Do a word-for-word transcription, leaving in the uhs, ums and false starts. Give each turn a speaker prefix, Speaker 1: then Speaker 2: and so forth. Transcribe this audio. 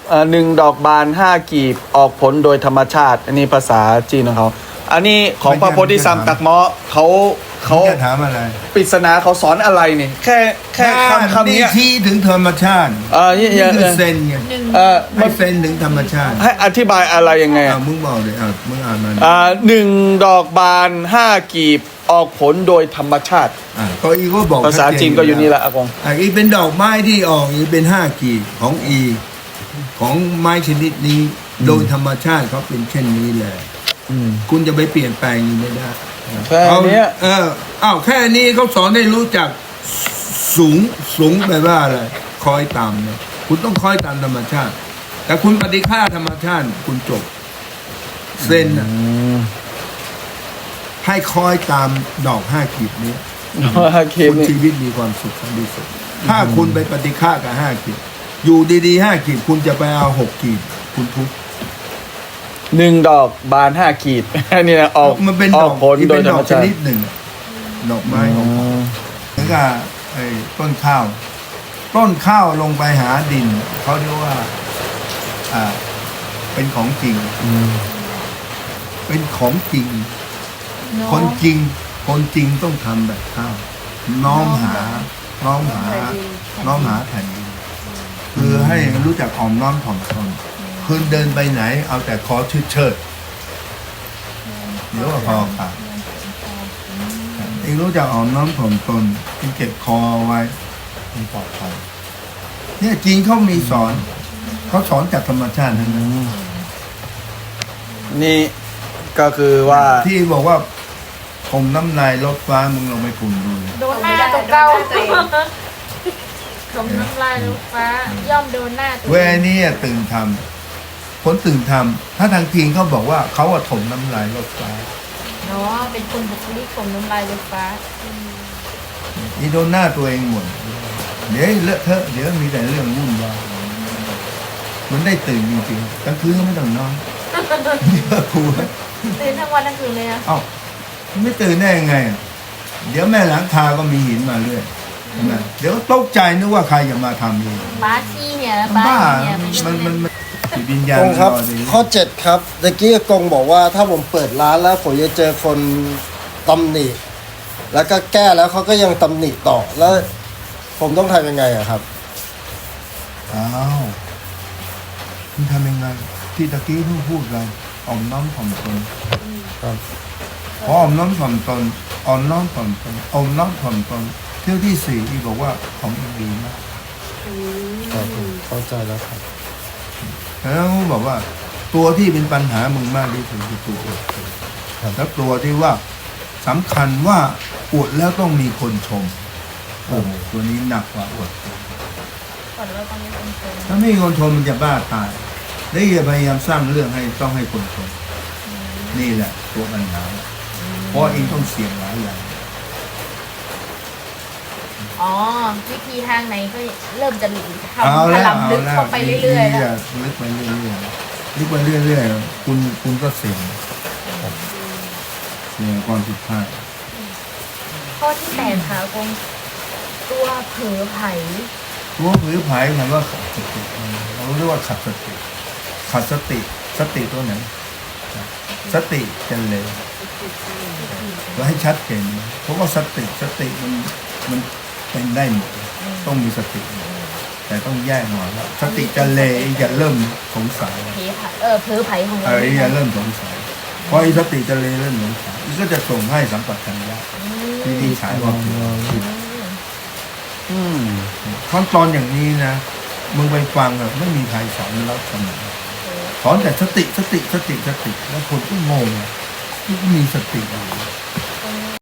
Speaker 1: เอ่อหนึ่งดอกบานห้ากีบออกผลโดยธรรมชาติ อันนี้ภาษาจีนของเขาอันนี้ของพระโพธิสัตว์ตักเมาะเขาเขา
Speaker 2: จะถามอะไร
Speaker 1: ปริศนาเขาสอนอะไรนี่แค่แค่คำคำ
Speaker 2: นี่
Speaker 1: เนี้ย
Speaker 2: ชี้ถึงธรรมชาติ
Speaker 1: เออนี่
Speaker 2: นี่คือ
Speaker 1: เออ
Speaker 2: เซนไง
Speaker 1: เออ
Speaker 2: ให้เซนถึงธรรมชาติ
Speaker 1: ให้อธิบายอะไรยังไง
Speaker 2: อ่ามึงบอกเลยอ่ะมึงอ่านมา
Speaker 1: อ่าหนึ่งดอกบานห้ากีบออกผลโดยธรรมชาติ
Speaker 2: อ่าก็อีก็บอก
Speaker 1: ภาษาจีนก็อยู่นี่แหละอากง
Speaker 2: อ่าอีเป็นดอกไม้ที่ออกอีเป็นห้ากีบของอีของไม้ชนิดนี้โดยธรรมชาติเขาเป็นเช่นนี้แหละคุณจะไปเปลี่ยนแปลงอีไม่ได้
Speaker 1: แค่เนี้ย
Speaker 2: เอออ้าวแค่นี้เขาสอนให้รู้จักสูงสูงแปลว่าอะไรคอยตามเนี่ยคุณต้องคอยตามธรรมชาติ แต่คุณปฏิฆาธรรมชาติคุณจบเส้นน่ะให้คอยตามดอกห้ากีบนี้
Speaker 1: ห้ากีบ
Speaker 2: คุณ
Speaker 1: นี่
Speaker 2: ชีวิตมีความสุขที่สุดถ้าคุณไปปฏิฆากับห้ากีบอยู่ดีๆห้ากีบคุณจะไปเอาหกกีบคุณทุกข์
Speaker 1: หนึ่งดอกบานห้ากีบ อันนี้นะออก
Speaker 2: มันเป็น
Speaker 1: อ
Speaker 2: ด
Speaker 1: อ
Speaker 2: อก ก
Speaker 1: ผล
Speaker 2: ที่
Speaker 1: โด
Speaker 2: เป็
Speaker 1: ย
Speaker 2: น
Speaker 1: ธ
Speaker 2: ด
Speaker 1: ร
Speaker 2: อ
Speaker 1: รม
Speaker 2: กช
Speaker 1: ชาติ
Speaker 2: นิดหนึ่งดอกไม้ของเขาเหมือนกับไอ้ต้นข้าว ต้นข้าวลงไปหาดินเขาเรียกว่า อ่า เป็นของจริงเป็นของจริง คนจริง คนจริงต้องทำแบบข้าว น้อมหา น้อมหา น้อมหาแผ่นดินคือให้รู้จักอ่อมน้อมถ่อมตนคืนเดินไปไหน เอาแต่คอชืดเชิดเดี๋ยวว่าพอค่ะเองรู้จักอ่อมน้อมถ่อมตนเองเก็บคอไว้มันปลอดภัยเนี่ยจีนเขามีสอนเขาสอนจากธรรมชาติทั้งนั้น
Speaker 1: นี่ก็คือว่า
Speaker 2: ที่บอกว่าผมน้ำลายลดฟ้ามึงลองไปกลุ่มดู
Speaker 3: โดนหน้าตัวเก่าผมน้ำลายลูกฟ้า ย่อมโดนหน้าตัว
Speaker 2: เวนี่ตื่นทำคนตื่นทำถ้าทางจีนเขาบอกว่าเขาว่าถมน้ำลายลดฟ้า
Speaker 3: เนาะเป็นคนบุคลิกผมน้ำลายลูกฟ้า
Speaker 2: อีโดนหน้าตัวเองหมดเดี๋ยวเลอะเทอะเดี๋ยวมีแต่เรื่องวุ่นวายมันได้ตื่นจริงๆกลางคืนก็ไม่ต้องนอนเยอะครู
Speaker 3: ตื่นทั้งวันทั้งคืนเลยนะ
Speaker 2: เอ้าไม่ตื่นได้ยังไงอ่ะเดี๋ยวแม่หลังคาก็มีหินมาเรื่อยใช่ไหมเดี๋ยวตกใจนึกว่าใครจะมาทำนี่
Speaker 3: บ้าขี้เนี่ย
Speaker 2: บ้า
Speaker 3: บ้าเนี่ย
Speaker 2: มันมันมันจิตวิญญาณ
Speaker 4: กงครับ
Speaker 2: รอดี
Speaker 4: ข้อเจ็ดครับตะกี้กงบอกว่าถ้าผมเปิดร้านแล้วผมจะเจอคนตำหนิแล้วก็แก้แล้วเขาก็ยังตำหนิต่อแล้วผมต้องทำยังไงอะครับ
Speaker 2: อ้าวคุณทำยังไงที่ตะกี้เพิ่งพูดกันอ่อมน้อมถ่อมตน
Speaker 4: ครับ
Speaker 2: พออ่อมน้อมถ่อมตนอ่อนน้อมถ่อมตนอ่อมน้อมถ่อมตนเที่ยวที่สี่อีบอกว่าของอีดีมาก
Speaker 4: ครับผมเข้าใจแล้วครับ
Speaker 2: แล้วบอกว่า ตัวที่เป็นปัญหามึงมากที่สุดคือตัวอวดแล้วตัวที่ว่าสำคัญว่าอวดแล้วต้องมีคนชมโอ้โหตัวนี้หนักกว่าอวด
Speaker 3: ก่อนเราต้องมีคนชม
Speaker 2: ถ้าไม่มีคนชมมันจะบ้าตายได้อย่าพยายามสร้างเรื่องให้ต้องให้คนชมนี่แหละ ตัวปัญหาเพราะเองต้องเสี่ยงหลายอย่าง
Speaker 3: อ๋อวิธีทางไหนก็เริ่มจะทำ
Speaker 2: เอา
Speaker 3: ถ
Speaker 2: แล้ว
Speaker 3: ลำลึก
Speaker 2: เอาแล้ว
Speaker 3: เข้าไปเรื่อยๆ
Speaker 2: นี่
Speaker 3: แล้ว
Speaker 2: ลึกไปเรื่อยๆลึกไปเรื่อยๆคุณคุณก็เสี่ยงเสี่ยงความผิดพลาด
Speaker 3: ข้อที่แปดค่ะกงตัวเผลอไผ่
Speaker 2: ตัวผือไผ่มันว่าขาดสติเราเรียกว่าขาดสติขาดสติสติตัวไหนสติจะเลยเราให้ชัดเจนเพราะว่าสติสติมันมันเป็นได้หมดต้องมีสติ แต่ต้องแยกหน่อยว่าสติจะเลยอย่าเริ่มสงสัย
Speaker 3: เพไผ่เออเผลอไผ่ของ
Speaker 2: เอ
Speaker 3: เรา
Speaker 2: ออย่าเริ่มสงสัยเพราะไอ้สติจะเลยเริ่มสงสัยมันก็จะส่งให้สัมปชัญญะที่ดีฉายว่าผิด
Speaker 1: อืม
Speaker 2: ขั้นตอนอย่างนี้นะมึงไปฟังอะไม่มีใครสอนรับเสมอสอนแต่สติสติสติสติแล้วคนก็งงที่มีสติอะไร